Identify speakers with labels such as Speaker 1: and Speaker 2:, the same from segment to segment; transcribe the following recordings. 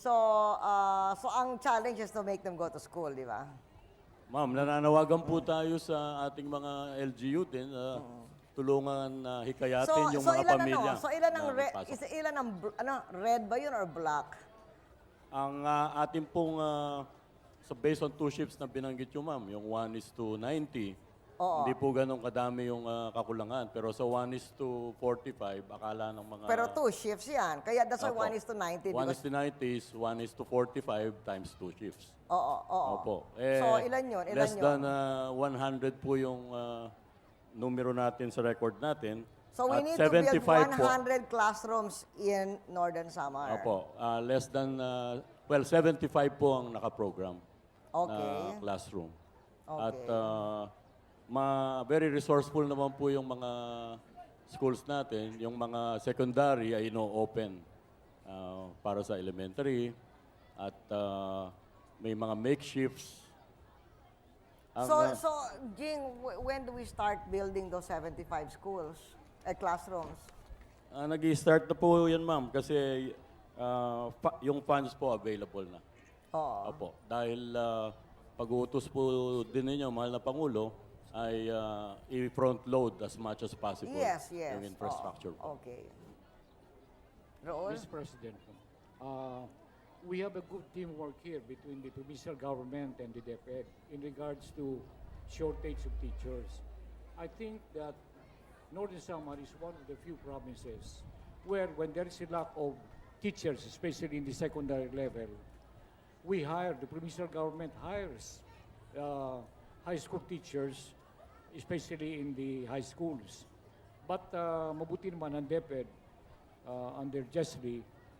Speaker 1: So, so ang challenge is to make them go to school, di ba?
Speaker 2: Ma'am, nananawagan po tayo sa ating mga LGU din na tulungan na hikayatin yung mga
Speaker 1: ilan
Speaker 2: pamilya.
Speaker 1: So ilan ang
Speaker 2: na magpasok.
Speaker 1: ilan ang red ba yun or black?
Speaker 2: Ang ating pong, so based on 2 shifts na binanggit yung ma'am, yung 1:90,
Speaker 1: Oo.
Speaker 2: hindi po ganun kadami yung kakulangan. Pero sa 1:45, akala ng mga...
Speaker 1: Pero 2 shifts yan. Kaya that's why
Speaker 2: Opo.
Speaker 1: 1:90.
Speaker 2: 1:90 is 1:45 times 2 shifts.
Speaker 1: Oo.
Speaker 2: Opo.
Speaker 1: So, ilan yun? Ilan
Speaker 2: less
Speaker 1: yun?
Speaker 2: than 100 po yung numero natin sa record natin.
Speaker 1: So we
Speaker 2: At
Speaker 1: need to build
Speaker 2: 75 po.
Speaker 1: 100 classrooms in Northern Samar.
Speaker 2: Opo. Less than, 75 po ang nakaprogram
Speaker 1: Okay.
Speaker 2: na classroom.
Speaker 1: Okay.
Speaker 2: At very resourceful naman po yung mga schools natin. Yung mga secondary ay no-open para sa elementary. At may mga makeshifts.
Speaker 1: So Jing, when do we start building those 75 schools, classrooms?
Speaker 2: Nag-i-start na po yan, ma'am, kasi yung funds po available na.
Speaker 1: Oo.
Speaker 2: Opo. Dahil pag-uutos po din ninyo, mahal na Pangulo, ay i-front load as much as possible
Speaker 1: Yes.
Speaker 2: yung infrastructure po.
Speaker 1: Okay. Raul?
Speaker 3: Mr. President, we have a good teamwork here between the provincial government and the DepEd in regards to shortage of teachers. I think that Northern Samar is one of the few provinces where when there is a lack of teachers, especially in the secondary level, the provincial government hires high school teachers, especially in the high schools. But mabuti naman ang DepEd under Jesly,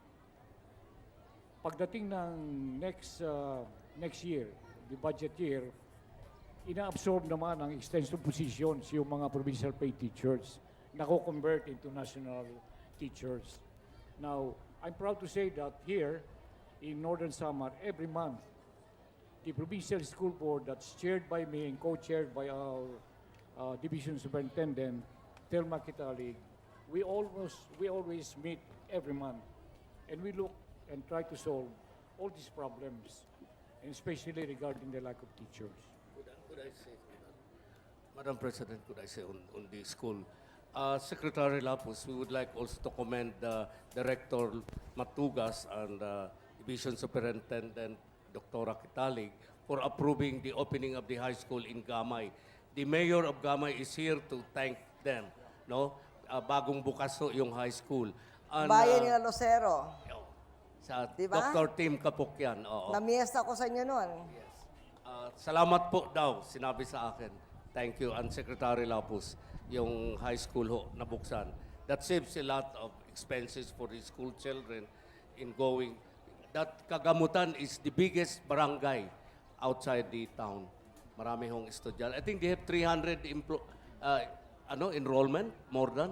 Speaker 3: pagdating ng next year, the budget year, ina-absorb naman ang extension positions yung mga provincial paid teachers na convert into national teachers. Now, I'm proud to say that here in Northern Samar, every month, the provincial school board that's chaired by me and co-chaired by our division superintendent, Thelma Kitalig, we always meet every month, and we look and try to solve all these problems, and especially regarding the lack of teachers.
Speaker 4: Could I say, Madam President, could I say on the school? Secretary Lapus, we would like also to commend Director Matugas and Division Superintendent Dr. Kitalig for approving the opening of the high school in Gamay. The mayor of Gamay is here to thank them. No, bagong bukas ho yung high school. And,
Speaker 1: Bayan nila Lucero.
Speaker 4: sa
Speaker 1: Diba?
Speaker 4: Dr. Tim Kapukyan. Oo.
Speaker 1: Namiesta ko sa inyo nun.
Speaker 4: Salamat po daw, sinabi sa akin. Thank you, and Secretary Lapus, yung high school ho, nabuksan. That saves a lot of expenses for the school children in going. That Kagamutan is the biggest barangay outside the town. Marami hong estudyante. I think they have 300 enrollment, more than?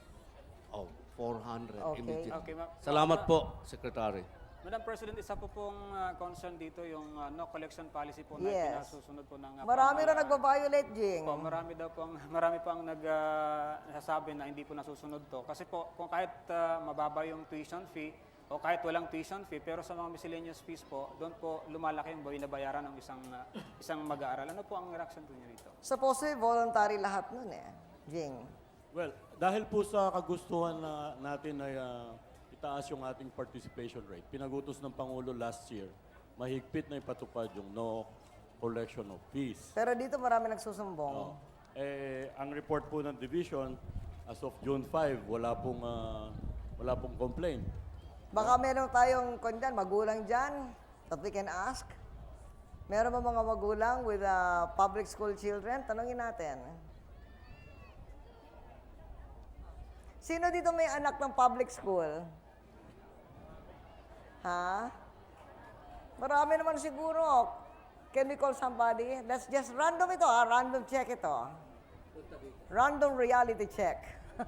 Speaker 4: 400
Speaker 1: Okay.
Speaker 4: immediately.
Speaker 5: Okay, ma'am.
Speaker 4: Salamat po, Secretary.
Speaker 5: Madam President, isa po pong concern dito yung no collection policy po na
Speaker 1: Yes.
Speaker 5: pinasusunod po ng
Speaker 1: Marami na
Speaker 5: pamahalaan.
Speaker 1: nagbabiolate, Jing.
Speaker 5: Po, marami po ang nagsasabi na hindi po nasusunod to. Kasi po, kung kahit mababa yung tuition fee o kahit walang tuition fee, pero sa mga miscellaneous fees po, doon po lumalaki yung binabayaran ng isang mag-aaral. Ano po ang reaction po niyo rito?
Speaker 1: Supposedly voluntary lahat nun Jing.
Speaker 2: Well, dahil po sa kagustuhan natin ay itaas yung ating participation rate, pinagutos ng Pangulo last year, mahigpit na ipatupad yung no collection of fees.
Speaker 1: Pero dito marami nagsusumbong.
Speaker 2: Ang report po ng division, as of June 5, wala pong complaint.
Speaker 1: Baka meron tayong magulang dyan that we can ask. Meron ba mga magulang with public school children? Tanungin natin. Sino dito may anak ng public school? Ha? Marami naman siguro. Can we call somebody? Let's just random ito, random check ito. Random reality check.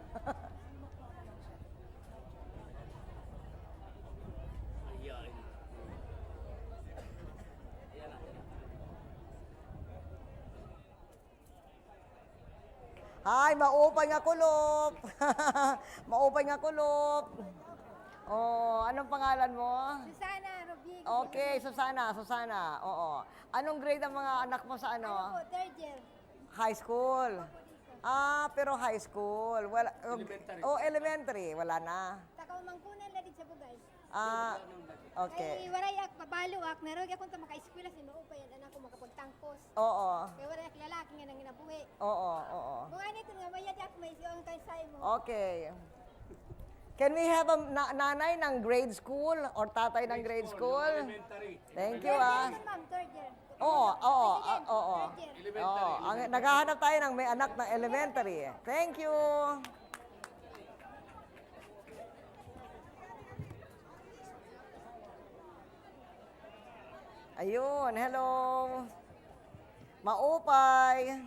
Speaker 1: Ay, maupay nga kulop. Maupay nga kulop. Oh, anong pangalan mo?
Speaker 6: Susana
Speaker 1: Okay, Susana. Oo. Anong grade ang mga anak mo sa
Speaker 6: Ano
Speaker 1: ano?
Speaker 6: po, third year.
Speaker 1: High school. Pero high school. Wala, elementary. Wala na.
Speaker 6: Takaw mangkunan na din sa bugay.
Speaker 1: Okay.
Speaker 6: Kay waray ak pabalo ak narog akong ta maka-eskwela si mao pa yan anak ko makapagtangkos.
Speaker 1: Oo.
Speaker 6: Kay waray ak lalaki nga nang ginabuhi.
Speaker 1: Oo.
Speaker 6: Mga nito nga mayad ak may siyang kay say mo.
Speaker 1: Okay. Can we have a nanay ng grade school or tatay ng grade school? Thank you,
Speaker 6: Third year, ma'am, third year.
Speaker 1: Oo.
Speaker 6: Third year.
Speaker 1: Naghahanap tayo ng may anak ng elementary. Thank you. Ayun, hello. Maupay.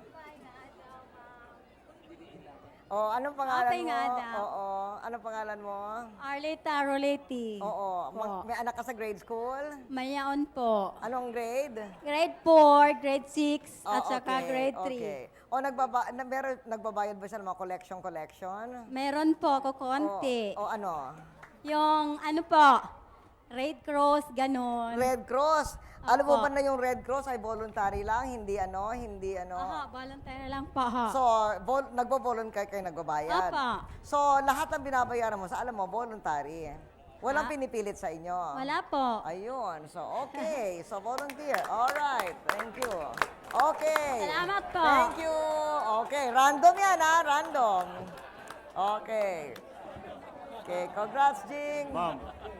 Speaker 1: Anong pangalan
Speaker 7: Maupay
Speaker 1: mo?
Speaker 7: nga daw.
Speaker 1: Oo, anong pangalan mo?
Speaker 7: Arleta Roleti.
Speaker 1: Oo,
Speaker 7: Po.
Speaker 1: may anak ka sa grade school?
Speaker 7: Mayaon po.
Speaker 1: Anong grade?
Speaker 7: Grade 4, grade 6, at
Speaker 1: Oh,
Speaker 7: saka
Speaker 1: okay,
Speaker 7: grade 3.
Speaker 1: Okay. Nagbabayad ba siya ng mga collection?
Speaker 7: Meron po ako konti.
Speaker 1: Ano?
Speaker 7: Yung ano po, Red Cross, ganon.
Speaker 1: Red Cross. Alam mo
Speaker 7: Opo.
Speaker 1: ba na yung Red Cross ay voluntary lang, hindi ano?
Speaker 7: Aha, volunteer lang po ha.
Speaker 1: So, nagbo-volunteer kayo nagbabayad.
Speaker 7: Opo.
Speaker 1: So, lahat ng binabayaran mo sa alam mo, voluntary. Walang pinipilit sa inyo.
Speaker 7: Wala po.
Speaker 1: Ayun. So, okay. So, volunteer. All right. Thank you. Okay.
Speaker 7: Salamat po.
Speaker 1: Thank you. Okay. Random yan, ha? Random. Okay. Okay. Congrats, Jing.
Speaker 2: Ma'am,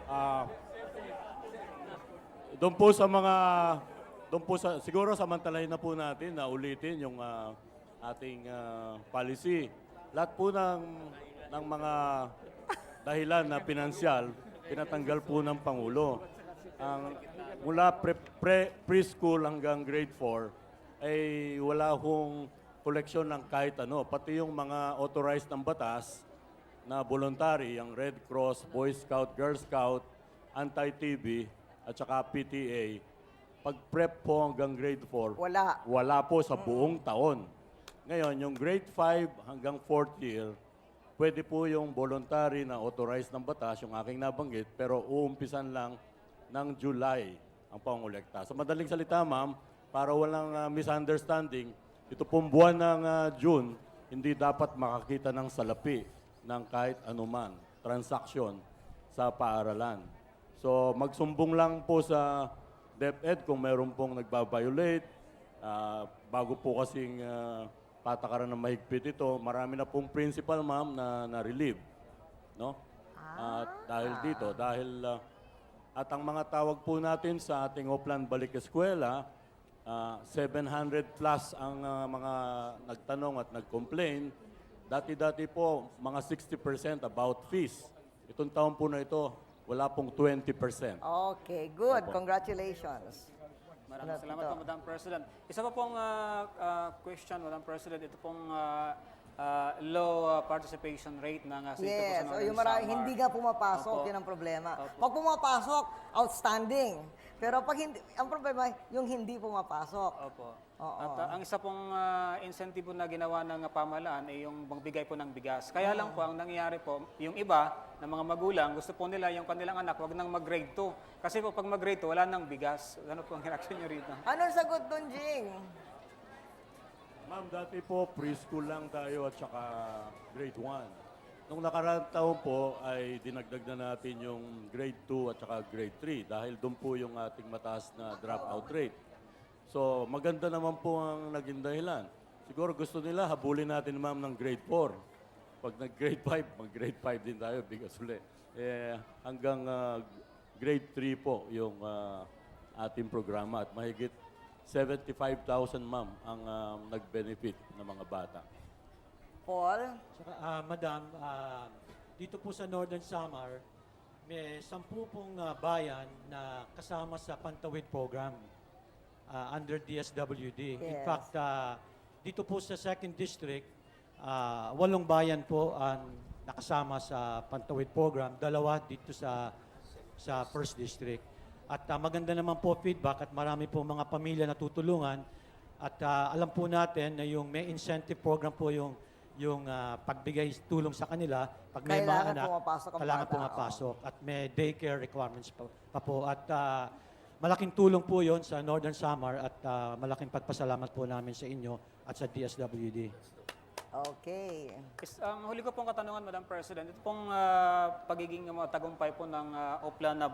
Speaker 2: siguro samantalahin na po natin na ulitin yung ating policy. Lahat po ng mga dahilan na pinansyal, pinatanggal po ng Pangulo. Mula preschool hanggang grade 4, ay wala hong koleksyon ng kahit ano. Pati yung mga authorized ng batas na voluntary, yung Red Cross, Boy Scout, Girl Scout, Anti-TB, at saka PTA, pag prep po hanggang grade 4,
Speaker 1: Wala.
Speaker 2: wala po sa buong taon. Ngayon, yung grade 5 hanggang 4th year, pwede po yung voluntary na authorized ng batas, yung aking nabanggit, pero uumpisan lang ng July ang pangolekta. Sa madaling salita, ma'am, para walang misunderstanding, ito pong buwan ng June, hindi dapat makakita ng salapi ng kahit anuman transaksyon sa paaralan. So, magsumbong lang po sa DepEd kung meron pong nagbabiolate. Bago po kasing patakaran ng mahigpit ito, marami na pong principal, ma'am, na relieve. No? At at ang mga tawag po natin sa ating Oplan Balik Eskwela, 700 plus ang mga nagtanong at nag-complain. Dati-dati po, mga 60% about fees. Itong taon po na ito, wala pong 20%.
Speaker 1: Okay, good. Congratulations.
Speaker 5: Maraming salamat po, Madam President. Isa pa pong question, Madam President. Ito pong low participation rate ng City
Speaker 1: Yes,
Speaker 5: of
Speaker 1: yung hindi nga pumapasok,
Speaker 5: Opo.
Speaker 1: yun ang problema.
Speaker 5: Opo.
Speaker 1: Pag pumapasok, outstanding. Pero pag hindi, ang problema, yung hindi pumapasok.
Speaker 5: Opo.
Speaker 1: Oo.
Speaker 5: At ang isa pong incentive na ginawa ng pamahalaan ay yung magbigay po ng bigas. Kaya lang po, ang nangyayari po, yung iba na mga magulang, gusto po nila yung kanilang anak, wag nang mag-grade 2. Kasi po pag mag-grade 2, wala nang bigas. Ano po ang reaction nyo rito?
Speaker 1: Anong sagot doon, Jing?
Speaker 2: Ma'am, dati po preschool lang tayo at saka grade 1. Nung nakaraang taon po ay dinagdag na natin yung grade 2 at saka grade 3 dahil doon po yung ating mataas na dropout rate. So maganda naman po ang naging dahilan. Siguro gusto nila habulin natin, ma'am, ng grade 4. Pag nag-grade 5, mag-grade 5 din tayo, bigas ulit. Hanggang grade 3 po yung ating programa at mahigit 75,000, ma'am, ang nag-benefit ng mga bata.
Speaker 1: Paul?
Speaker 8: Saka, Madam, dito po sa Northern Samar, may 10 pong bayan na kasama sa Pantawid Program under DSWD. In
Speaker 1: Yes.
Speaker 8: fact, dito po sa 2nd District, 8 bayan po ang nakasama sa Pantawid Program, 2 dito sa 1st District. At maganda naman po feedback at marami po mga pamilya na tutulungan. At alam po natin na yung may incentive program po yung yung pagbigay tulong sa kanila pag may
Speaker 1: Kailangan
Speaker 8: mga anak,
Speaker 1: pumapasok ang
Speaker 8: kailangan
Speaker 1: bata,
Speaker 8: pumapasok at may daycare requirements pa po at malaking tulong po yon sa Northern Samar at malaking pagpasalamat po namin sa inyo at sa DSWD.
Speaker 1: Okay.
Speaker 5: Ang huli ko pong katanungan, Madam President, ito pong pagiging tagumpay po ng Oplan na